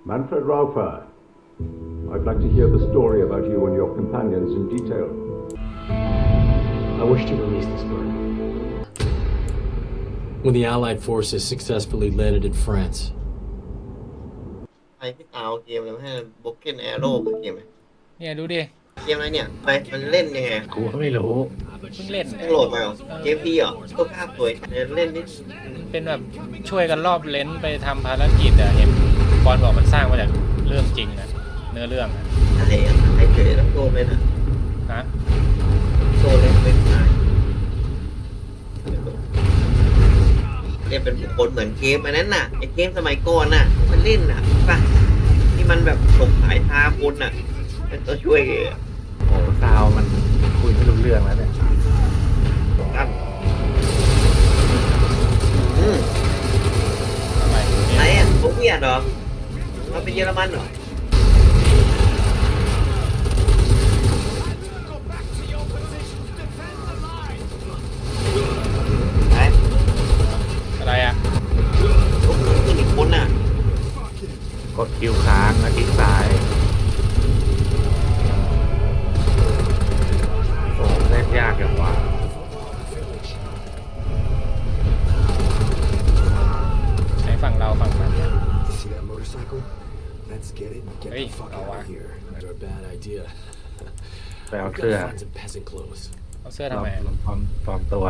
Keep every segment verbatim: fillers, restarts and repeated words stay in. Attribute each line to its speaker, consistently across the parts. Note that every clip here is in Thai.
Speaker 1: Manfred Raufer, I'd like to hear the story about you and your companions in detail.
Speaker 2: I wish to release this burden. When the Allied forces successfully landed in France.
Speaker 3: ใครที่เอาเกมแล้วให้บ็อกเก็ตแอโร่คือเกมอะไร
Speaker 4: เนี่ยดูดิ
Speaker 3: เกมอะไรเนี่ยไปมันเล่นยังไง
Speaker 5: กูก็ไม่รู้
Speaker 4: เพิ่งเล่น
Speaker 3: เพิ่งโหลดมาเหรอเกมพี่เหรอก็ภาพสวยเล่นนิด
Speaker 4: เป็นแบบช่วยกันรอบเลนส์ไปทำภารกิจอะเห็นบอลบอกมันสร้างมาจากเรื่องจริงนะเนื้อเรื่องอะ
Speaker 3: อะไรอ่ะไอ้เฉยแล้วโดนเลยนะ
Speaker 4: ฮะ
Speaker 3: โดนเลยเป็นตายเล่นเป็นบุคคลเหมือนเกมอันนั้นน่ะไอ้เกมสมัยก่อนน่ะมันเล่นน่ะป่ะที่มันแบบตกสายพาคนน่ะเป็นตัวช่วยเลย
Speaker 5: โอ้ซาวมันคุยไม่รู้เรื่องแล้วเนี่ย
Speaker 3: ครับอืม
Speaker 4: อะไร
Speaker 3: ไหนอ่ะผมเวียดเหรอมาเป็นเยอรมันเหรอไหน
Speaker 4: อะไรอะ
Speaker 3: ลูกมือขึ้นอีกคนน่ะ
Speaker 5: กดคิวค้างแล้วคลิกซ้ายโอ้เล่นยากอย่างวะ
Speaker 4: ใช้ฝั่งเราฝั่งมัน
Speaker 6: See that motorcycle? Let's get it and get
Speaker 4: Hey,
Speaker 6: the fuck
Speaker 4: oh,
Speaker 6: out
Speaker 4: wow.
Speaker 6: of here. Not a bad idea.
Speaker 5: ไปเอา
Speaker 6: We've
Speaker 5: เสื้อ
Speaker 6: gotta find some peasant clothes.
Speaker 4: เอาเสื้อ
Speaker 5: ล
Speaker 4: ทำ
Speaker 5: อง
Speaker 4: ไม
Speaker 5: ลองปลอมปลอมตัว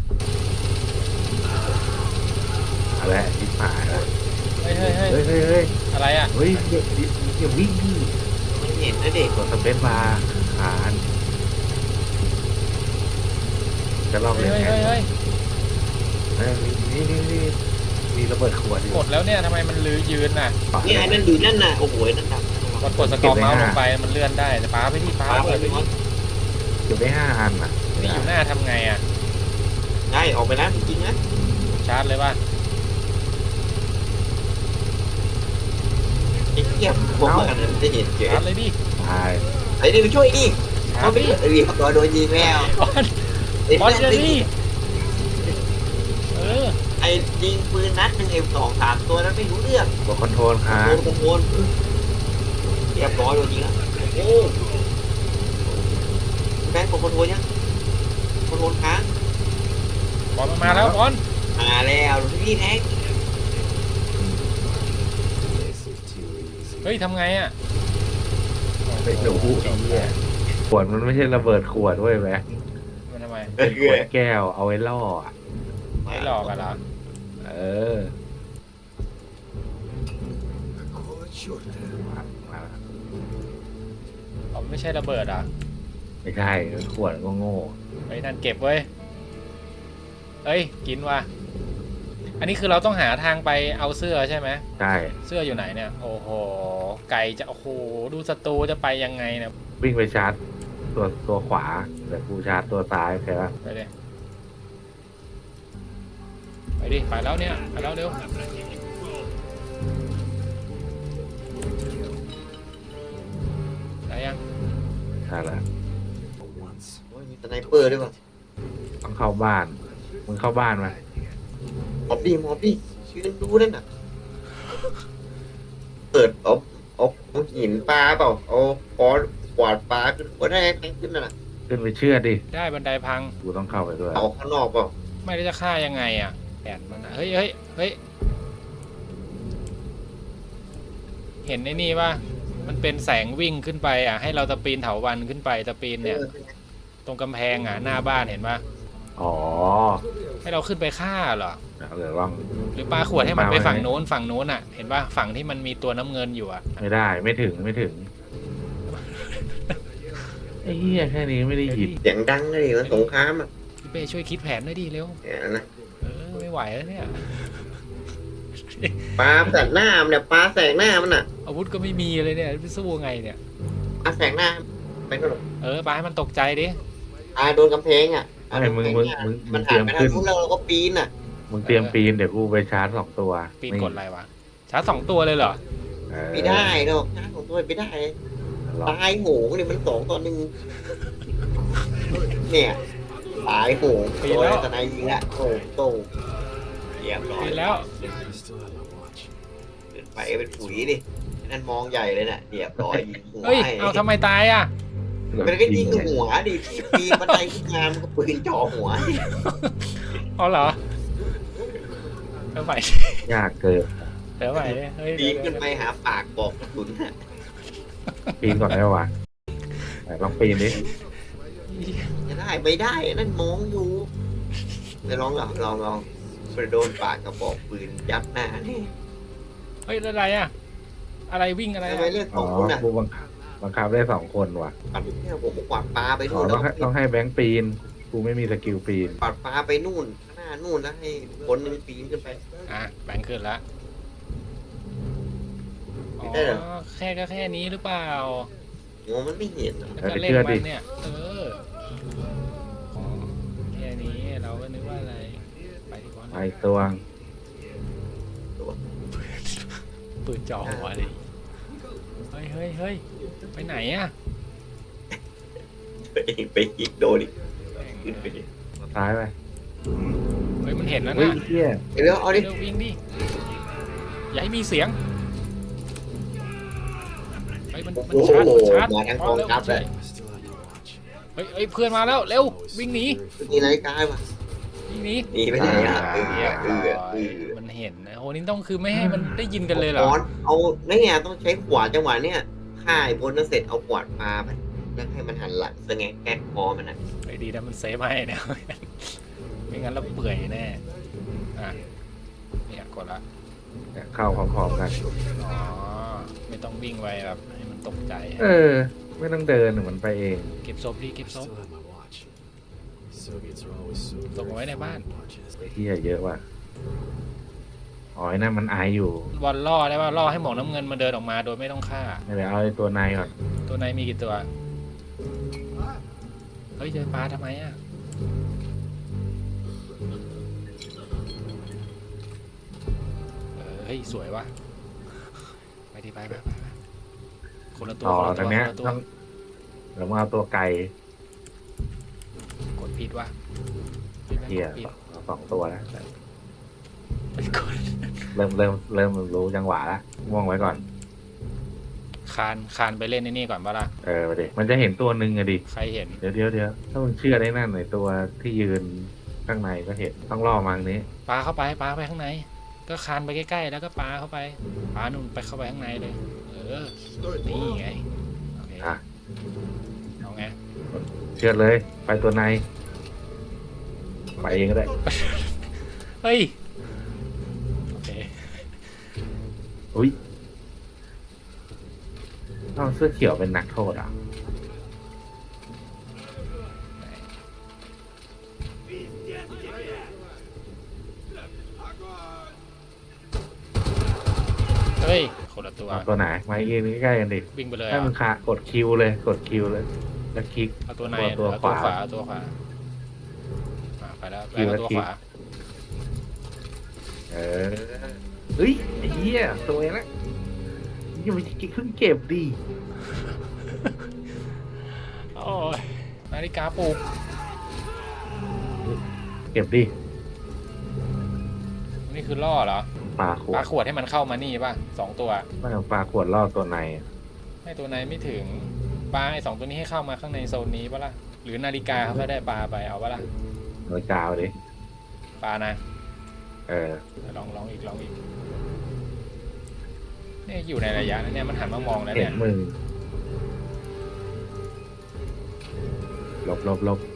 Speaker 5: อะไรทิพหายแล้ว
Speaker 4: เฮ้ยเฮ้ยเฮ้ย
Speaker 5: เฮ้ยเฮ้ยเฮ้ย
Speaker 4: อะไรอะ
Speaker 5: เฮ้ยเดี๋ยวเดี๋ยววิ่งดิ
Speaker 3: ไม่เห็นนะเด็ก
Speaker 5: กดสเปซบาร์ขานจะลอง
Speaker 4: เฮ้
Speaker 5: เล่
Speaker 4: ย
Speaker 5: น
Speaker 4: เฮ้ย
Speaker 5: ไง
Speaker 4: เฮ้ยเฮ้ย
Speaker 5: เฮ้ยนี่นี่นี่มีระเบิดขวดอยู่
Speaker 4: กดแล้วเนี่ยทำไมมันลือยืนน่ะ
Speaker 3: นี่ไอ้นั่นดูนั่นน่ะโอ้โหนั่นดับ
Speaker 4: กดกดสกอร์เมาส์ลงไปมันเลื่อนได้แต่ป้าไปที่ป้า
Speaker 3: ฟ้า
Speaker 4: เปิด
Speaker 3: ไป
Speaker 4: ไป
Speaker 3: มอ
Speaker 4: ที่
Speaker 3: ส
Speaker 5: เก็บได้ห้าอันอ่ะ
Speaker 4: นี่อยู่หน้าทำไงอะ
Speaker 3: ได้ออกไปนะจริงๆนะ
Speaker 4: ชาร์จเลยป่ะ
Speaker 3: ไอ้เหี้ยผมว่าอันนั้นจะเห็นเฉย
Speaker 4: ชาร์จเลยดิ
Speaker 5: ตาย
Speaker 3: ไอ้นี่ไปช่วยดิ
Speaker 4: ชา
Speaker 3: เขา
Speaker 4: ร์จ
Speaker 3: ไป
Speaker 4: ดิ
Speaker 3: เรียบร้อยโดนยิงแล้ว
Speaker 4: บอล
Speaker 3: ไอ้
Speaker 4: บอล
Speaker 3: แม่
Speaker 4: เจอดิ
Speaker 3: ง
Speaker 4: เออ
Speaker 3: ไอ้ยิงปืนนัดหนึ่งไอ้สองสามตัวนั้นไม่รู้เรื่อง
Speaker 5: กดคอนโทรลค้าง
Speaker 3: โดนโดนเรียบร้อยโดนยิงแล้วโอ้แบงค์กดคอนโทรลยังคอนโทรลค้าง
Speaker 4: บอลมันมาแล้วบอล
Speaker 3: มาแล้วพี่แท็ก
Speaker 6: This is too easy.
Speaker 4: เฮ้ยทำไงอะ
Speaker 5: ไปดูไอ้เหี้ยขวดมันไม่ใช่ระเบิดขวดเว้ยแม็ก
Speaker 4: มันทำไม
Speaker 5: เป็นขวดแก้วเอาไว้ล่ออะ
Speaker 4: ไม่หลอกกันเหรอ
Speaker 5: เออ
Speaker 6: Call it short.
Speaker 5: มามา
Speaker 4: อ๋อไม่ใช่ระเบิดอ่ะ
Speaker 5: ไม่ใช่ขวดก็โง่
Speaker 4: ไอ้นั่นเก็บเว้ยเอ้ยกินว่ะอันนี้คือเราต้องหาทางไปเอาเสื้อใช่ไหม
Speaker 5: ใช่
Speaker 4: เสื้ออยู่ไหนเนี่ยโอ้โหไก่จะโอ้โหดูศัตรูจะไปยังไงเนี่ย
Speaker 5: วิ่งไปชาร์จตัวตัวขวาแต่กูชาร์จตัวซ้ายใช่ปะ
Speaker 4: ไปดิไปดิไปแล้วเนี่ยไปแล้วเร็วได้ยัง
Speaker 5: ใช่แล้ว
Speaker 6: For once.
Speaker 3: โอ้ยมีสไนเปอร์ด้วยป่ะ
Speaker 5: ต้องเข้าบ้านมึงเข้าบ้านไหม
Speaker 3: มอบดิมอบดิยืนดูนั่นน่ะเปิดเอาเอาเอาหินปลาเปล่าเอาคอนกวาดปลาขึ้นก็ได้แทงขึ้นนั่นน่ะ
Speaker 5: ขึ้นไปเชื่อดิ
Speaker 4: ได้บันไดพัง
Speaker 5: กูต้องเข้าไปด้วย
Speaker 3: เอาข้างนอกเปล่า
Speaker 4: ไม่ได้จะฆ่ายังไงอ่ะแผนมันอะเฮ้ยเฮ้ยเฮ้ยเห็นไอ้นี่ป่ะมันเป็นแสงวิ่งขึ้นไปอ่ะให้เราตะปีนเถาวัลย์ขึ้นไปตะปีนเนี่ยตรงกำแพงอ่ะหน้าบ้านเห็นป่ะ
Speaker 5: อ๋อ
Speaker 4: ให้เราขึ้นไปฆ่าเหรอ
Speaker 5: เดี๋ยวลอง
Speaker 4: หรือปลาขวดให้มันไป
Speaker 5: ปาไว้
Speaker 4: ฝั่งโน้นฝั่งโน้นอ่ะ เห็นป่ะฝั่งที่มันมีตัวน้ำเงินอยู่อ่ะ
Speaker 5: ไม่ได้ไม่ถึงไม่ถึงไอ้เหี้ยแค่นี้ไม่ได้หยิบ
Speaker 3: เสียงดังเลยมันสงครามอ่ะ
Speaker 4: พี่เป้ช่วยคิดแผนหน่อยดิเร็ว
Speaker 3: เนี่ยนะ
Speaker 4: เออไม่ไหวแล้วเนี่ย
Speaker 3: ปลาแสงหน้ามันเนี่ยปลาแสงหน้ามันน่ะ
Speaker 4: อาวุธก็ไม่มีเลยเนี่ยจะสู้ไงเนี่ย
Speaker 3: ปลาแสงหน้าไปก็หรอก
Speaker 4: เออปลาให้มันตกใจดิ
Speaker 3: ปลาโดนกำแพงอ่ะ
Speaker 5: ไอ้มึงมึงมึงมึ
Speaker 3: มัน
Speaker 5: งเต
Speaker 3: หั
Speaker 5: รี
Speaker 3: น
Speaker 5: ยม
Speaker 3: ไปทา
Speaker 5: ขึ้
Speaker 3: ง
Speaker 5: น
Speaker 3: นู้นแล้วเราก็ปีนอ่ะ
Speaker 5: มึงเตรียมปีนเดี๋ยวกูไปชาร์จสองตัว
Speaker 4: ปีนกดอะไรวะชาร์จสองตัวเลยเหรอ
Speaker 5: เออ
Speaker 3: ไม่ได้หรอกหน้าของตัวไม่ได้
Speaker 5: ลอง
Speaker 3: ตายโหงเนี่ยมันสองต่อหนึ่งเนี่ยตายโหงโดนทนายยิงละโอ้โตเยี่ยมร้อย
Speaker 4: ปีนแล้ว
Speaker 6: I still have my watch.
Speaker 3: เดินไปเป็นปุ๋ยดินั่นมองใหญ่เลยน่ะเรียบร้อยยิงหัว
Speaker 4: เฮ้ย
Speaker 3: ให้
Speaker 4: เอาทำไมตายอ่ะ
Speaker 3: มันก็ยิงหัวดิที่ปีนบันไดขึ้นมามันก็ปืนจ่อหัว
Speaker 4: เอาเหรอเดี๋ยวใหม่
Speaker 5: ยากเกิน
Speaker 4: เดี๋ยวใหม่เฮ้ย
Speaker 3: ปีนขึ้นไปหาปากบอกกระสุนน่ะ
Speaker 5: ปีนก่อนได้ปะวะไหนลองปีนดิ
Speaker 3: จะได้ไม่ได้นั่นมองอยู่ไปลองเหรอลองลองไปโดนปากกระบอกปืนยัดหน้านี่
Speaker 4: เฮ้ยอะไรอ่ะ อะไรวิ่งอะไร
Speaker 3: ทำ
Speaker 4: อะ
Speaker 3: ไมเลือกส
Speaker 5: อ๋
Speaker 3: อ
Speaker 5: อง
Speaker 3: คนอ่ะ
Speaker 5: กูบังคับบังคับได้สองคนว่ะ
Speaker 3: ปัดเนี่ยผมกวาดปลาไป
Speaker 5: อ๋อ
Speaker 3: นู่น
Speaker 5: ต้
Speaker 3: แล้
Speaker 5: อง
Speaker 3: ว
Speaker 5: ให้ต้องให้แบงค์ปีน กูไม่มีสกิลปีน
Speaker 3: กวาดปลาไปนู่นข้างหน้านู่นแล้วให้คนหนึงปีนขึ้นไป
Speaker 4: อ่ะแบงค์ขึ้นละอ๋อ
Speaker 3: ได้เหรอ
Speaker 4: แค่ก็แค่นี้หรือเปล่า
Speaker 3: โอ้มันไม่เห็นเหรอ
Speaker 4: แล้วก็เล่นมันเนี่ย เอออ๋อแค่นี้เราก็นึกว่าอะไร ไปดีกว่า
Speaker 5: ไปตัว
Speaker 4: ปืนจ่อหัวเลยเฮ้ยเฮ้ยเฮ้ยไปไหนอ่ะ
Speaker 3: ไปไปยิงโดนอีกขึ้นไปดิ
Speaker 5: ซ้ายไป
Speaker 4: เฮ้ยมันเห็นแล้ว
Speaker 5: เฮ้ย
Speaker 4: นะ
Speaker 5: เฮีย
Speaker 3: เดี๋ยวเอาดิ
Speaker 4: เร็ววิ่งดิอย่าให้มีเสียงเฮ้ยมันมัน
Speaker 3: โอ้โห
Speaker 4: ชาร์จมันชาร์จ
Speaker 3: มาทางกองทัพเลย
Speaker 6: I still have my watch.
Speaker 4: เฮ้ยเฮ้ยเพื่อนมาแล้วเร็ววิ่งหนี
Speaker 3: มีนาฬิกาป่ะ
Speaker 4: วิ่งหนี
Speaker 3: หนีไปไหนอ่ะเออ
Speaker 4: เรียบ
Speaker 3: เอ
Speaker 4: ร้
Speaker 3: อ
Speaker 4: อย
Speaker 3: เออ
Speaker 4: มันเห็นนะโอ้นี่ต้องคือไม่ให้มันได้ยินกันเลยเหรอ
Speaker 3: ขอนเอาเนี่ยต้องใช้ขวานจังหวะเนี่ยฆ่าไอ้บนนั้นเสร็จเอาขวานปาไปแล้วให้มันหันหลังสงแงแก๊กคอมันนะ
Speaker 4: ไอ้ดีนะมันเซฟให้เนี่ย ไม่งั้นเราเปื่อยแน่อ่ะเนี่ยกดละ
Speaker 5: เข้าพร้อมๆกัน
Speaker 4: อ๋อไม่ต้องวิ่งไวแบบให้มันตกใจ
Speaker 5: เออ ไม่ต้องเดินเหมือนไปเอง
Speaker 4: เก็บศพดิเก็บ
Speaker 6: I
Speaker 4: ศพ
Speaker 6: still have my watch. Soviets are always so
Speaker 4: ส่งเอาไว้ในบ้าน
Speaker 6: watches.
Speaker 5: ไอ้ที่เยอะว่ะอ๋อไอ้นั่นมันไออยู่
Speaker 4: บอลล่อได้ป่ะล่อให้หมวกน้ำเงินมาเดินออกมาโดยไม่ต้องฆ่า
Speaker 5: ไม่เดี๋ยวเอาไอ้ตัวในก่อน
Speaker 4: ตัวในมีกี่ตัว เฮ้ยเจอปลาทำไมอ่ะ เออเฮ้ยสวยว่ะ ไปดิไปไปไปไปคนละตัว
Speaker 5: ต่อ
Speaker 4: คนละ
Speaker 5: ต
Speaker 4: ตั
Speaker 5: ร
Speaker 4: ว
Speaker 5: ง
Speaker 4: ค
Speaker 5: เนี้ย
Speaker 4: นละตัว
Speaker 5: ต้องเดี๋ยวมาเอาตัวไก่
Speaker 4: กดผิดว่ะผิดไหม
Speaker 5: เฮีย
Speaker 4: กดผิด
Speaker 5: เอาสองตัวแล้ว
Speaker 4: เป็นคน
Speaker 5: เริ่มเริ่มเริ่มรู้จังหวะแล้วม่วงไว้ก่อน
Speaker 4: คานคานไปเล่นในนี่ก่อนปะล่ะ
Speaker 5: เออไปดิมันจะเห็นตัวหนึ่งอะดิ
Speaker 4: ใครเห็น
Speaker 5: เดี๋ยวเดี๋ยวเดี๋ยวถ้ามึงเชื่อได้นั่นในตัวที่ยืนข้างในก็เห็นต้องล่อมังนี้
Speaker 4: ปลาเข้าไปปลาไปข้างใน ก็คานไปใกล้ๆแล้วก็ปลาเข้าไปปลานุ่นไปเข้าไปข้างในเลย เออ นี่ไงโอเค
Speaker 5: อ่ะ
Speaker 4: เอาไง
Speaker 5: เชื่อเลย ไปตัวในไปเองก็ได้
Speaker 4: เฮ้ย โอเค
Speaker 5: อุ้ยเอาเสื้อเขียวเป็นนักโทษอ่ะ
Speaker 4: เฮ้ย คนละตัว
Speaker 5: เอาตัวไหนมายืนใกล้ๆกันดิ
Speaker 4: วิ่งไปเลย
Speaker 5: ถ้า
Speaker 4: อ่ะ
Speaker 5: มึงขากดคิวเลย กดคิวเลย แล้วคลิก
Speaker 4: เอาตัวใน
Speaker 5: ตัว
Speaker 4: เอาตัว
Speaker 5: ข
Speaker 4: ขวาว
Speaker 5: า
Speaker 4: เอาตัวขวาอ่ะไปแล้วไป
Speaker 5: คิว
Speaker 4: แล้ว
Speaker 5: แล้ว
Speaker 4: ตัว
Speaker 5: คลิก
Speaker 4: ขวา
Speaker 5: เออเฮ้ยไอ้เหี้ยตัวเองละยังไม่เพิ่งเก็บดิ
Speaker 4: โอ้ยนาฬิกาปลุก
Speaker 5: เก็บดิ
Speaker 4: นี่คือล่อเหรอ
Speaker 5: ปลาข
Speaker 4: ป
Speaker 5: ว
Speaker 4: ลา
Speaker 5: ด
Speaker 4: ขวดให้มันเข้ามานี่ป่ะสองตัว
Speaker 5: ไม่เอาปลาขวดล่อตัวใน
Speaker 4: ให้ตัวในไม่ถึงปลาไอ้สองตัวนี้ให้เข้ามาข้างในโซนนี้ปะล่ะหรือนาฬิกาเขาก็ได้ปลาไปเอาปะล่ะ
Speaker 5: โดยกาวดิ
Speaker 4: ปลานะ
Speaker 5: เออ
Speaker 4: ลองลองอีกลองอีกเนี่ยอยู่ในระยะนั้นเนี่ยมันหันมามองแล้ว
Speaker 5: เห็
Speaker 4: เนี่
Speaker 5: น
Speaker 4: ย
Speaker 5: มึงหลบหลบหลบ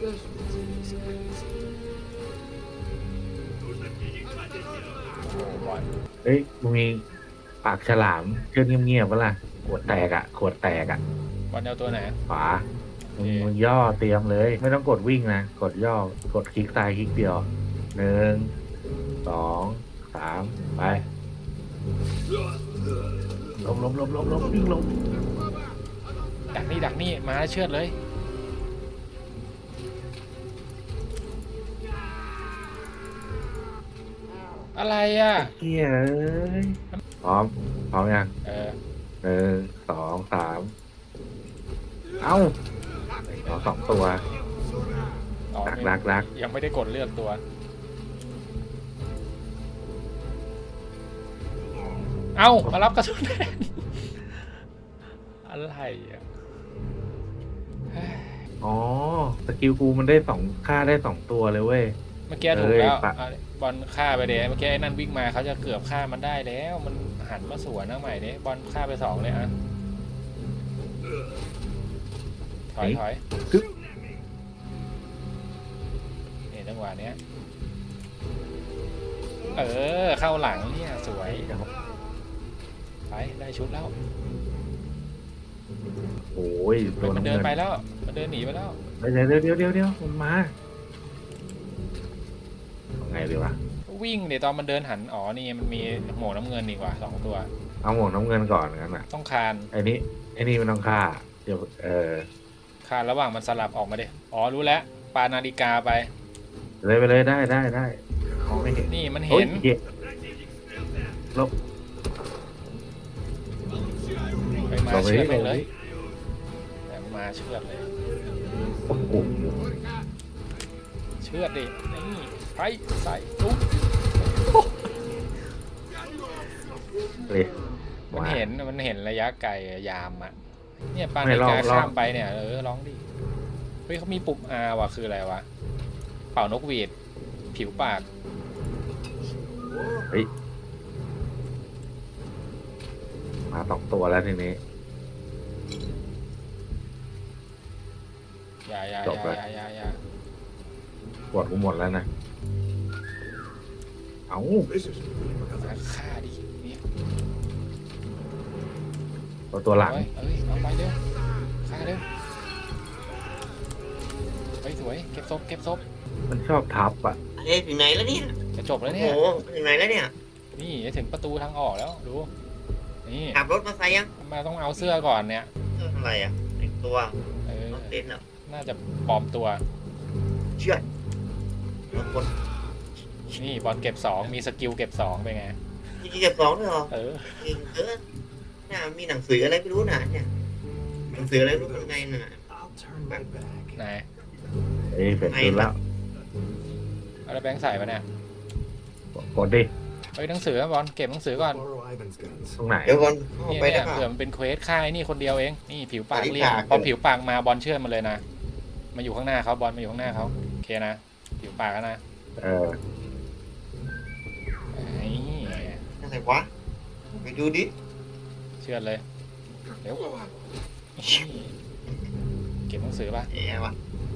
Speaker 4: โอ้โหบอล
Speaker 5: เฮ้ยมึงมีปากฉลามเชื่อเงียบๆปะล่ะขวดแตกอ่ะ ขวดแตกอ่ะ
Speaker 4: บอลเอาตัวไหน
Speaker 5: ขวามึงมึงย่อเตรียมเลย ไม่ต้องกดวิ่งนะ กดย่อกดคลิกซ้ายคลิกเดียวหนึ่งสองสามไปหลบหลบหลบหลบหลบวิ่งหลบ
Speaker 4: ดักนี่ดักนี่มาแล้วเชือดเลยอะไรอ่ะ
Speaker 5: เฮียเอ้ยพร้อมพร้อมยัง
Speaker 4: เออ
Speaker 5: หนึ่งสองสามเอ้าเอาสองตัว
Speaker 4: อ๋อ
Speaker 5: รัก
Speaker 4: ไม่
Speaker 5: รักรัก
Speaker 4: ยังไม่ได้กดเลือกตัว เอามารับกระสุนแทนอะไรอ่ะ
Speaker 5: อ๋อสกิลกูมันได้สองค่าได้สองตัวเลยเว้ย
Speaker 4: เมื่อกี้ถูกแล้ว
Speaker 5: เอ้ยปะ
Speaker 4: อ่ะบอลฆ่าไปเดยเมื่อกี้ไอ้นั่นวิ่งมาเขาจะเกือบฆ่ามันได้แล้ว มันหันมาสวนนะใหม่เนี้ยบอลฆ่าไปสองเลยอ่ะถอยถอย
Speaker 5: กึ๊บ
Speaker 4: นี่จังหวะเนี้ยเออเข้าหลังเนี่ยสวยไปได้ชุดแล้ว
Speaker 5: โอ้ย
Speaker 4: เฮ้
Speaker 5: ตั
Speaker 4: ยว มัน
Speaker 5: น้ำ
Speaker 4: เดิ
Speaker 5: เงิ
Speaker 4: น
Speaker 5: น
Speaker 4: ไปแล้วมันเดินหนีไปแล้ว
Speaker 5: เดี๋ยวเดี๋ยวเดี๋ยวเดี๋ยวเดี๋ยวมันมาเอาไงดีวะ
Speaker 4: วิ่งเดี๋ยวตอนมันเดินหันอ๋อนี่มันมีหมวกน้ำเงินดีกว่าสองตัว
Speaker 5: เอาหมวกน้ำเงินก่อนงั้นอ่ะ
Speaker 4: ต้องคาน
Speaker 5: ไอ้นี้ไอ้นี่มันต้องฆ่าเดี๋ยวเออ
Speaker 4: คานระหว่างมันสลับออกมาดิอ๋อรู้แล้วปานาฬิกาไป
Speaker 5: เลยไปเลยได้ได้ได้มองไม่เห็น
Speaker 4: นี่มัน
Speaker 5: โอ้ย
Speaker 4: เห็น
Speaker 5: เหี้ยลบ
Speaker 4: ไปมา
Speaker 5: ลงไป
Speaker 4: เชือด
Speaker 5: ดิ
Speaker 4: ไป
Speaker 5: ลงไป
Speaker 4: เลย
Speaker 5: ดิ
Speaker 4: แต่มาเชือดเลย
Speaker 5: โอ้โห
Speaker 4: เชือดดินี่ไปใส่ลุก
Speaker 5: เลย
Speaker 4: มันเห็นมันเห็นระยะไกลอะยามอะเนี่ยปา
Speaker 5: ไม่
Speaker 4: นาฬิ
Speaker 5: ลอง
Speaker 4: กา
Speaker 5: ลอง
Speaker 4: ข้ามไปเนี่ยเออร้องดิเฮ้ยเขามีปุ่ม R ว่ะคืออะไรวะเป่านกหวีดผิวปาก
Speaker 5: เฮ้ยมาสองตัวแล้วทีนี้
Speaker 4: อย่าอย่า
Speaker 5: จ
Speaker 4: อบ ย่า
Speaker 5: เลย
Speaker 4: อย่าอย่าอย่า
Speaker 5: ปวดกูหมดแล้วนะเอ้า
Speaker 4: มาฆ่าดินี่
Speaker 5: ตัวตัวหลัง
Speaker 4: เอ้ยเอ้ยเอาไปเร็วฆ่าเร็วเฮ้ยสวยเก็บศพเก็บศพ
Speaker 5: มันชอบทับอ่ะ
Speaker 3: เอ้ยถึงไหนแล้วเนี่ย
Speaker 4: จะจบแล้ว
Speaker 3: โอ้
Speaker 4: เนี่ย
Speaker 3: โหถึงไหนแล้วเนี่ย
Speaker 4: นี่จะถึงประตูทางออกแล้วดูนี่
Speaker 3: ขับรถมาใส่ยัง
Speaker 4: มาต้องเอาเสื้อก่อนเนี่ย
Speaker 3: เอออะไรอ่ะแต่งตัว
Speaker 4: เออ
Speaker 3: รถเต้นอ่ะ
Speaker 4: น่าจะปลอมตัว
Speaker 3: เชื่อดรถคน
Speaker 4: นี่บอลเก็บสองมีสกิลเก็บสองเป็นไง
Speaker 3: จริงๆเก็บสองด้วยเหรอ
Speaker 4: เออ
Speaker 3: จริงเออน่ามีหนังสืออะไรไม่รู้นะเนี่ยหนังสืออะไรไม่รู้เป็นไงน่ะ
Speaker 6: I'll turn my back.
Speaker 4: ไหน
Speaker 5: เอ้ยเป็นคืนแล้ว
Speaker 4: เอาแล้วแบงค์ใส่ปะเนี่ย
Speaker 5: กดดิ
Speaker 4: เฮ้ยหนังสือบอลเก็บหนังสือก่อน
Speaker 6: Borrow Ivan's guns.
Speaker 5: ตรงไหน
Speaker 3: เดี๋ยวก่อนเข้า
Speaker 4: เนี่ย
Speaker 3: ไปได้
Speaker 4: เนี่ย
Speaker 3: ป่ะ
Speaker 4: เผื่อมันเป็นเควสค่ายนี่คนเดียวเองนี่ผิวปาก
Speaker 3: อันนี้
Speaker 4: เรียก
Speaker 3: ปาก
Speaker 4: พอผิวปากมาบอลเชื่อมันเลยนะมาอยู่ข้างหน้าเขาบอลมาอยู่ข้างหน้าเขาโอเคนะผิวปากแล้วนะ
Speaker 5: เออ
Speaker 4: ไอ้
Speaker 3: อะไรวะไปดูดิ
Speaker 4: เชื่อเลยเร็วนี่เก็บหนังสือป่ะ
Speaker 3: เอ๊ะวะ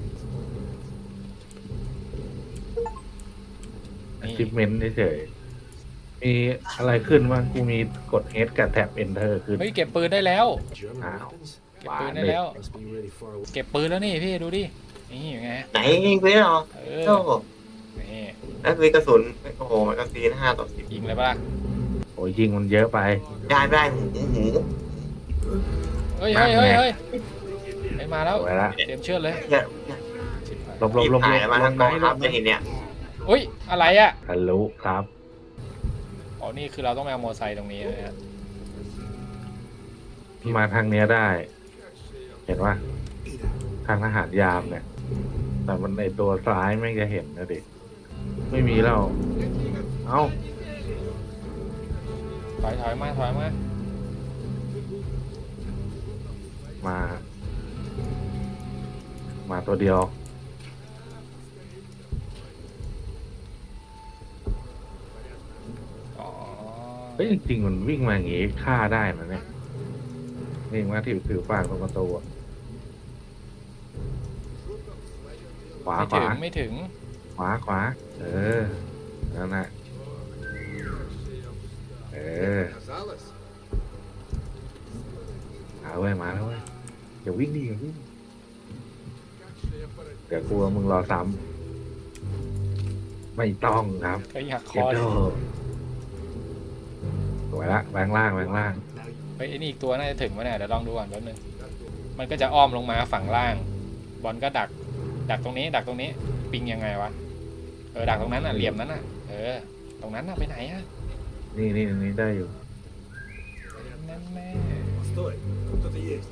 Speaker 4: นี่
Speaker 5: achievement เฉยๆมีอะไรขึ้นบ้างกูมีกด H กับแท็บ Enter ขึ้น
Speaker 4: เฮ้ยเก็บปืนได้แล้ว
Speaker 6: German
Speaker 5: Ow.
Speaker 6: weapons?
Speaker 4: เก็บปืนได้แล้ว
Speaker 6: Must be really far away.
Speaker 4: เก็บปืนแล้วนี่พี่ดูดินี่ไง
Speaker 3: ไหนยิงไปเหรอ
Speaker 4: เออ
Speaker 3: โอ้โห
Speaker 4: นี่
Speaker 3: แล้วมีกระสุนโอ้โหมันกระสุนห้าต่อสิบ
Speaker 4: ยิงเลยปะล่ะ
Speaker 5: โอ้ยยิงมันเยอะไป
Speaker 3: ได้ได้หูหู
Speaker 4: เฮ้ยเฮ้ยเฮ้ยเฮ้ยไปมาแล้ว
Speaker 5: สวยละ
Speaker 4: เตรียมเชือดเลย
Speaker 3: เนี่ยเนี่ย
Speaker 4: ชิบหาย
Speaker 5: ลบลบลบล
Speaker 3: ถ่าย
Speaker 5: บ
Speaker 3: มา
Speaker 5: ล
Speaker 3: ทาง
Speaker 5: ง
Speaker 3: กอง
Speaker 5: ให้ล
Speaker 3: ทัพ
Speaker 5: บ
Speaker 3: จะเห็นเนี่ย
Speaker 4: อุ้ยอะไรอ่ะ
Speaker 5: ทะลุครับ
Speaker 4: อ๋อนี่คือเราต้องไปเอามอเตอร์ไซค์ตรงนี้นะฮะ
Speaker 5: มาทางเนี้ยได้ เห็นว่าทางทหารยามเนี่ย แต่มันในตัวซ้ายไม่จะเห็นนะดิไม่มีแล้ว เอ้า
Speaker 4: ถอยถอยมาถอยมา
Speaker 5: มา มาตัวเดียว
Speaker 4: อ๋อ
Speaker 5: เฮ้ยจริงๆมันวิ่งมาอย่างงี้ฆ่าได้มันเนี่ยวิ่งมาที่ผิวปากตรงประตูอะขวา
Speaker 4: ไม่
Speaker 5: ข
Speaker 4: ถึ
Speaker 5: วาง
Speaker 4: ไม่ถึง
Speaker 5: ขวาขวา เออ นั่นน่ะเออมาเว้ยมาแล้วเว้ยอย่าวิ่งดิอย่าวิ่งเดี๋ยวกลัวมึงรอซ้ำไม่ต้องครับ
Speaker 4: ก็อยากค
Speaker 5: เก็บ
Speaker 4: อ
Speaker 5: โด
Speaker 4: เลย
Speaker 5: สวยละแบงล่างแบงล่าง
Speaker 6: Now you
Speaker 4: เฮ้ยไอ้นี่อีกตัวน่าจะถึงวะเนี่ยเดี๋ยวลองดูก่อนแป๊บนึงมันก็จะอ้อมลงมาฝั่งล่าง บอลก็ดัก ดักตรงนี้ ดักตรงนี้ ปิงยังไงวะ เออ ดักตรงนั้นอ่ะ เหลี่ยมนั้นอ่ะ เออ ตรงนั้นอ่ะ ไปไหนอ่ะ
Speaker 5: นี่นี่นี่ได้อยู่
Speaker 4: นั่นแน่
Speaker 6: Стой! Тут кто-то есть.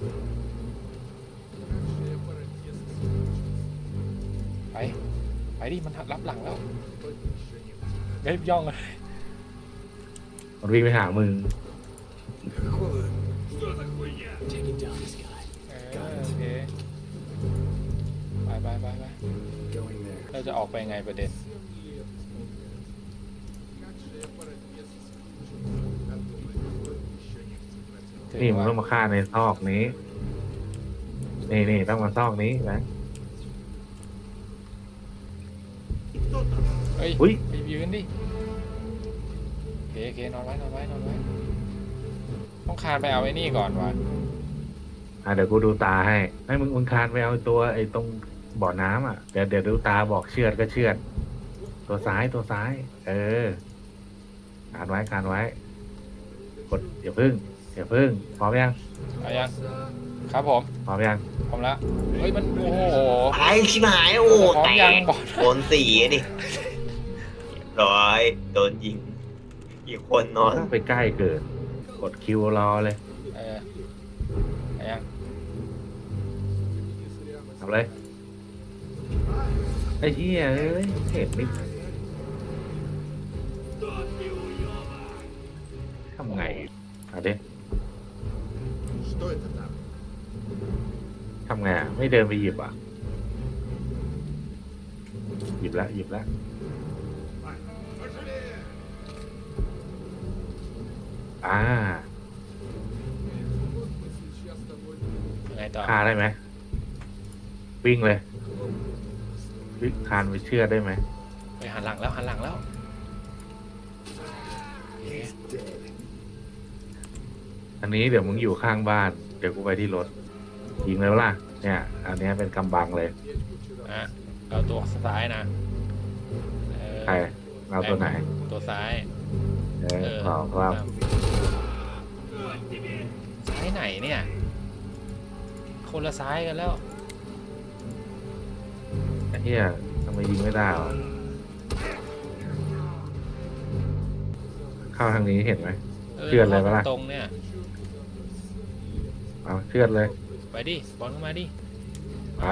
Speaker 4: ไป ไปดิ มันรับหลังแล้วเฮ้ยย่องเลย
Speaker 5: มันวิ่งไปหามึง
Speaker 6: Какого? Taking down
Speaker 4: จะออกไปไงประเด็น
Speaker 5: นี่มึงต้องมาฆ่าในซอกนี้ นี่นี่ต้องมาซอกนี้นะ
Speaker 4: เฮ้ย
Speaker 5: อุ๊ย
Speaker 4: ไปยืนดิโอเคโอเคนอนไว้นอนไว้นอนไว้ต้องคานไปเอาไอ้นี่ก่อนวะ
Speaker 5: อ่ะเดี๋ยวกูดูตาให้ให้มึงมึงคานไปเอาตัวไอ้ตรงบ่อน้ำอ่ะเดี๋ยวเดี๋ยวดูตาบอกเชือดก็เชือด ตัวซ้ายตัวซ้าย เออคานไว้คานไว้ กดอย่าพึ่งอย่าพึ่งพร้อมยัง
Speaker 4: เอายังครับผม
Speaker 5: พร้อมยัง
Speaker 4: พร้อมแล้วเฮ้ยมันโอ้โห
Speaker 3: ตายชิบหายโอ้
Speaker 4: พร้อม
Speaker 3: แต
Speaker 4: ยัง
Speaker 3: ก
Speaker 4: บอล
Speaker 3: โดนสี่อะดิเรียบร้อยโดนยิง อีกคนนอน
Speaker 5: ต้องไปใกล้เกินกดคิวรอเลย
Speaker 4: เออเอายัง
Speaker 5: ทำเลยไอ้เหี้ยเอ้ยเห็นนิดทำไงเอาดิ
Speaker 6: Что это там?
Speaker 5: ทำไงอ่ะไม่เดินไปหยิบอ่ะ หยิบแล้วหยิบแล้วอ่า
Speaker 4: ยังไงต่อ
Speaker 5: คาได้ไหมวิ่งเลยวิ่งคานไปเชื่อดได้ไหม
Speaker 4: ไปหันหลังแล้วหันหลังแล้วโอเค
Speaker 6: He's dead.
Speaker 5: อันนี้เดี๋ยวมึงอยู่ข้างบ้าน เดี๋ยวกูไปที่รถยิงเลยปะล่ะเนี่ย อันเนี้ยเป็นกำบังเลย
Speaker 4: อ่ะเอาตัวซ้ายนะเออ
Speaker 5: ใครเอาตัวไหน
Speaker 4: ตัวซ้าย
Speaker 5: เออ
Speaker 4: เออ
Speaker 5: ขอครับ
Speaker 4: ซ้ายไหนเนี่ย คนละซ้ายกันแล้ว
Speaker 5: ไอ้เหี้ยทำไมยิงไม่ได้หรอเข้าทางนี้เห็นไหม เชื่อดเลยปะล่ะ
Speaker 4: ตรงเนี่ย
Speaker 5: เอาเชือดเลย
Speaker 4: ไปดิบอลเข้ามาดิ
Speaker 5: เอา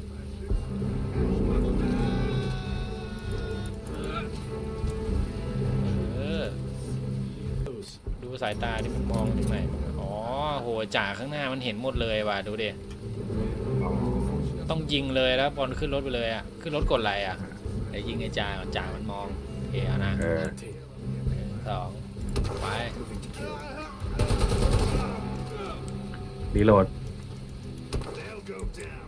Speaker 4: เออ ดูสายตาที่มันมองถึงไหนอ๋อโหจ่าข้างหน้ามันเห็นหมดเลยว่ะดูดิต้องยิงเลยแล้วบอลขึ้นรถไปเลยอ่ะขึ้นรถกดอะไรอ่ะไอ้ยิงไอ้จ่าก่อนจ่ามันมองโอเคเอานะ
Speaker 5: เออ
Speaker 4: หนึ่งสองไป
Speaker 5: รีโหลด
Speaker 6: They'll go down.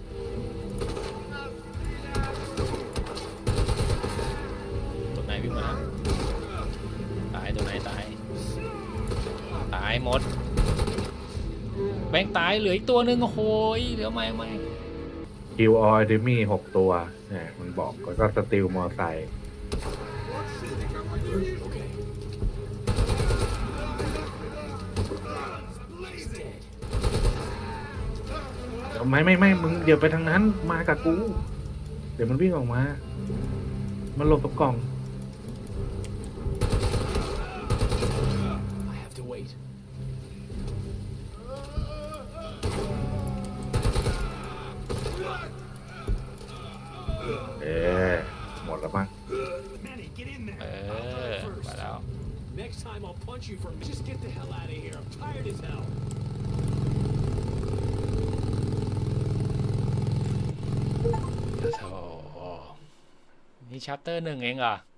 Speaker 4: ตัวไหนวิ่งมาตายตัวไหนตายตายหมดแบงค์ตายเหลืออีกตัวหนึ่งโอ้โหเหลือไม่ไม่
Speaker 5: คิวออยดิมี่หกตัวเนี่ยมันบอกแล้วก็สติลมอไซค์
Speaker 6: Okay. He's dead.
Speaker 5: ไม่ไม่ไม่มึงเดี๋ยวไปทางนั้นมากับกู เดี๋ยวมันวิ่งออกมา มันหลบกับกล่อง
Speaker 6: I have to wait.
Speaker 5: เอ๊ะหมดแล้วมั้ง
Speaker 6: Manny, get in
Speaker 4: เอ
Speaker 6: there.
Speaker 4: อไปแล้ว
Speaker 6: Next time I'll punch you for just get the hell out of here. I'm tired as hell.
Speaker 4: โธ่นี่ชัปเตอร์หนึ่งเองเหรอ